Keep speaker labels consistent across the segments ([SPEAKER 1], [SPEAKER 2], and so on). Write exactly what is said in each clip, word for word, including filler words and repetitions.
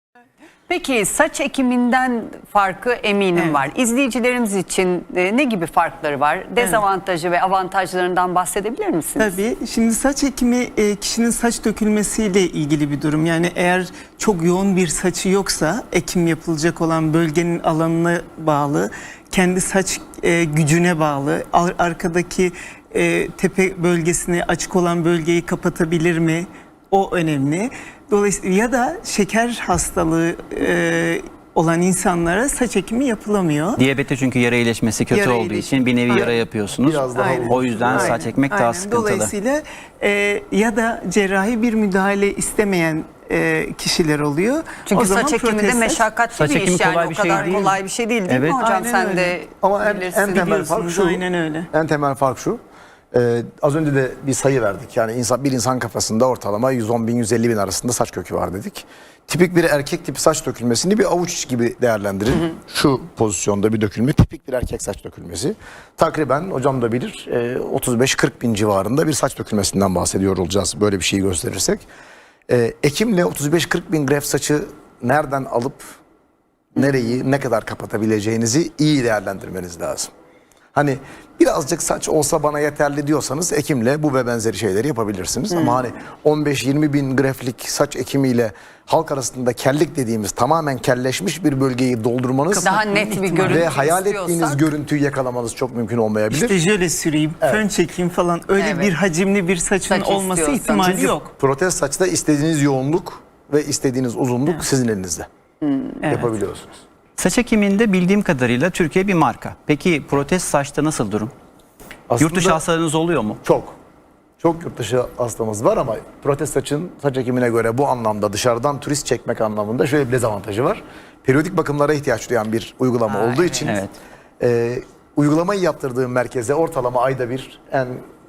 [SPEAKER 1] Peki saç ekiminden farkı eminim
[SPEAKER 2] Evet.
[SPEAKER 1] var. İzleyicilerimiz için e, ne gibi farkları var? Dezavantajı ve avantajlarından bahsedebilir misiniz?
[SPEAKER 2] Tabii. Şimdi saç ekimi e, kişinin saç dökülmesiyle ilgili bir durum. Yani eğer çok yoğun bir saçı yoksa ekim yapılacak olan bölgenin alanına bağlı, kendi saç e, gücüne bağlı, ar- arkadaki e, tepe bölgesini, açık olan bölgeyi kapatabilir mi? O önemli. Dolayısıyla ya da şeker hastalığı e, olan insanlara saç ekimi yapılamıyor.
[SPEAKER 3] Diyabete çünkü yara iyileşmesi kötü
[SPEAKER 2] Yara
[SPEAKER 3] olduğu
[SPEAKER 2] iyileşmesi.
[SPEAKER 3] için bir nevi yara
[SPEAKER 2] Aynen.
[SPEAKER 3] yapıyorsunuz.
[SPEAKER 4] Biraz daha
[SPEAKER 2] Aynen.
[SPEAKER 3] O yüzden
[SPEAKER 2] Aynen,
[SPEAKER 3] saç ekmek
[SPEAKER 2] aynen.
[SPEAKER 3] daha sıkıntılı.
[SPEAKER 2] Dolayısıyla e, ya da cerrahi bir müdahale istemeyen e, kişiler oluyor.
[SPEAKER 1] Çünkü
[SPEAKER 2] O zaman
[SPEAKER 1] saç ekimi de
[SPEAKER 2] protez saç-
[SPEAKER 1] meşakkatli
[SPEAKER 3] Saç
[SPEAKER 1] bir
[SPEAKER 3] ekimi
[SPEAKER 1] iş yani.
[SPEAKER 3] kolay
[SPEAKER 1] O
[SPEAKER 3] bir şey
[SPEAKER 1] kadar
[SPEAKER 3] değil.
[SPEAKER 1] kolay bir şey değil değil
[SPEAKER 3] Evet.
[SPEAKER 1] mi hocam?
[SPEAKER 2] Aynen
[SPEAKER 1] Sen
[SPEAKER 2] öyle.
[SPEAKER 1] de
[SPEAKER 4] Ama en,
[SPEAKER 1] bilirsin.
[SPEAKER 4] en temel fark
[SPEAKER 2] Biliyorsunuz,
[SPEAKER 4] şu.
[SPEAKER 2] aynen öyle.
[SPEAKER 4] En temel fark şu. Ee, az önce de bir sayı verdik. Yani insan, bir insan kafasında ortalama yüz on bin yüz elli bin arasında saç kökü var dedik. Tipik bir erkek tipi saç dökülmesini bir avuç gibi değerlendirin. Hı hı. Şu pozisyonda bir dökülme tipik bir erkek saç dökülmesi. Takriben hocam da bilir e, otuz beş kırk bin civarında bir saç dökülmesinden bahsediyor olacağız böyle bir şeyi gösterirsek. E, ekimle otuz beş kırk bin greft saçı nereden alıp nereyi ne kadar kapatabileceğinizi iyi değerlendirmeniz lazım. Hani birazcık saç olsa bana yeterli diyorsanız ekimle bu ve benzeri şeyleri yapabilirsiniz. Hmm. Ama hani on beş yirmi bin greflik saç ekimiyle halk arasında kellik dediğimiz tamamen kelleşmiş bir bölgeyi doldurmanız
[SPEAKER 1] Daha net bir görüntü
[SPEAKER 4] ve hayal ettiğiniz
[SPEAKER 1] istiyorsak-
[SPEAKER 4] görüntüyü yakalamanız çok mümkün olmayabilir.
[SPEAKER 2] İşte jöle süreyim, fön çekeyim falan öyle
[SPEAKER 1] Evet.
[SPEAKER 2] bir hacimli bir saçın
[SPEAKER 1] Saç
[SPEAKER 2] olması
[SPEAKER 1] istiyorsan.
[SPEAKER 2] ihtimali
[SPEAKER 4] Çünkü
[SPEAKER 2] yok.
[SPEAKER 4] protez saçta istediğiniz yoğunluk ve istediğiniz uzunluk sizin elinizde.
[SPEAKER 2] Evet.
[SPEAKER 4] Yapabiliyorsunuz.
[SPEAKER 3] Saç ekiminde bildiğim kadarıyla Türkiye bir marka. Peki protez saçta nasıl durum?
[SPEAKER 4] Aslında
[SPEAKER 3] Yurt dışı hastalarınız oluyor mu?
[SPEAKER 4] Çok. Çok yurt dışı hastamız var ama protez saçın saç ekimine göre bu anlamda dışarıdan turist çekmek anlamında şöyle bir dezavantajı var. Periyodik bakımlara ihtiyaç duyan bir uygulama
[SPEAKER 1] Aa,
[SPEAKER 4] olduğu
[SPEAKER 1] evet.
[SPEAKER 4] için
[SPEAKER 3] Evet.
[SPEAKER 4] e, uygulamayı yaptırdığım merkeze ortalama ayda bir en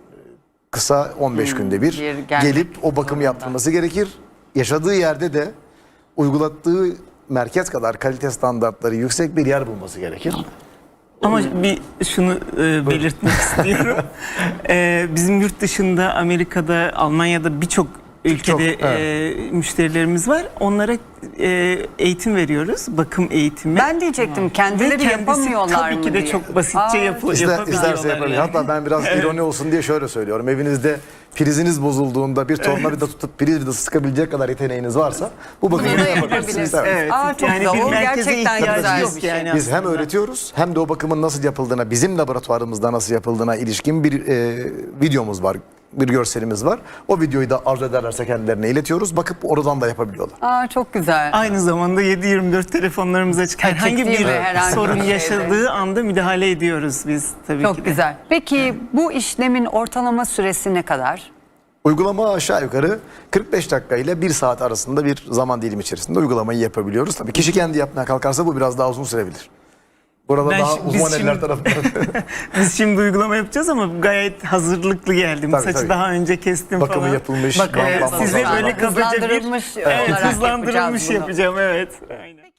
[SPEAKER 4] kısa on beş günde bir,
[SPEAKER 1] bir gelmek
[SPEAKER 4] gelip o bakımı
[SPEAKER 1] zorunda.
[SPEAKER 4] yaptırması gerekir. Yaşadığı yerde de uygulattığı merkez kadar kalite standartları yüksek bir yer bulması gerekir.
[SPEAKER 2] Ama bir şunu e, belirtmek istiyorum. E, bizim yurt dışında, Amerika'da, Almanya'da birçok ülkede
[SPEAKER 4] Çok, evet.
[SPEAKER 2] e, müşterilerimiz var. Onlara e, eğitim veriyoruz, bakım eğitimi.
[SPEAKER 1] Ben diyecektim kendileri
[SPEAKER 2] Ve kendisi
[SPEAKER 1] yapamıyorlar
[SPEAKER 2] tabii
[SPEAKER 1] mı
[SPEAKER 2] ki de
[SPEAKER 1] diye.
[SPEAKER 2] çok basitçe
[SPEAKER 1] Aa,
[SPEAKER 2] yapı,
[SPEAKER 4] İster,
[SPEAKER 2] yapabiliyorlar.
[SPEAKER 4] isterse yapabilir.
[SPEAKER 2] yani.
[SPEAKER 4] Hatta ben biraz ironi olsun diye şöyle söylüyorum. Evinizde priziniz bozulduğunda bir tornavida tutup priz vidası sıkabilecek kadar yeteneğiniz varsa bu bakımı
[SPEAKER 1] Bunu da
[SPEAKER 4] yapabilirsiniz.
[SPEAKER 1] yapabilirsiniz.
[SPEAKER 4] Evet.
[SPEAKER 2] Evet,
[SPEAKER 1] Aa, çok
[SPEAKER 2] yani
[SPEAKER 1] güzel.
[SPEAKER 2] bir
[SPEAKER 1] O
[SPEAKER 2] merkeze
[SPEAKER 1] gerçekten
[SPEAKER 2] ihtiyacı
[SPEAKER 1] güzel
[SPEAKER 2] yok
[SPEAKER 1] bir şey.
[SPEAKER 2] yani.
[SPEAKER 4] Biz hem
[SPEAKER 2] aslında.
[SPEAKER 4] öğretiyoruz hem de o bakımın nasıl yapıldığına, bizim laboratuvarımızda nasıl yapıldığına ilişkin bir e, videomuz var. Bir görselimiz var. O videoyu da arzu ederlerse kendilerine iletiyoruz. Bakıp oradan da yapabiliyorlar.
[SPEAKER 1] Aa, çok güzel.
[SPEAKER 2] Aynı zamanda yedi yirmi dört telefonlarımız açık.
[SPEAKER 1] Açık
[SPEAKER 2] Herhangi
[SPEAKER 1] değil
[SPEAKER 2] bir
[SPEAKER 1] mi? Herhangi
[SPEAKER 2] sorun
[SPEAKER 1] bir şeyde.
[SPEAKER 2] yaşadığı anda müdahale ediyoruz biz tabii
[SPEAKER 1] Çok
[SPEAKER 2] ki de.
[SPEAKER 1] güzel. Peki bu işlemin ortalama süresi ne kadar?
[SPEAKER 4] Uygulama aşağı yukarı kırk beş dakika ile bir saat arasında bir zaman dilimi içerisinde uygulamayı yapabiliyoruz. Tabii kişi kendi yapmaya kalkarsa bu biraz daha uzun sürebilir. Burada
[SPEAKER 2] Ben
[SPEAKER 4] daha
[SPEAKER 2] şi- biz
[SPEAKER 4] uzman eller
[SPEAKER 2] şimdi-
[SPEAKER 4] tarafından.
[SPEAKER 2] Biz şimdi uygulama yapacağız ama gayet hazırlıklı geldim.
[SPEAKER 4] Tabii,
[SPEAKER 2] Saçı
[SPEAKER 4] tabii.
[SPEAKER 2] daha önce kestim
[SPEAKER 4] Bakımı
[SPEAKER 2] falan.
[SPEAKER 4] yapılmış,
[SPEAKER 2] Bakın,
[SPEAKER 4] bantlanması
[SPEAKER 2] size
[SPEAKER 4] var.
[SPEAKER 2] böyle kabaca bir
[SPEAKER 1] Hızlandırılmış
[SPEAKER 2] evet,
[SPEAKER 1] olarak
[SPEAKER 2] hızlandırılmış
[SPEAKER 1] yapacağız bunu.
[SPEAKER 2] yapacağım evet. Aynen.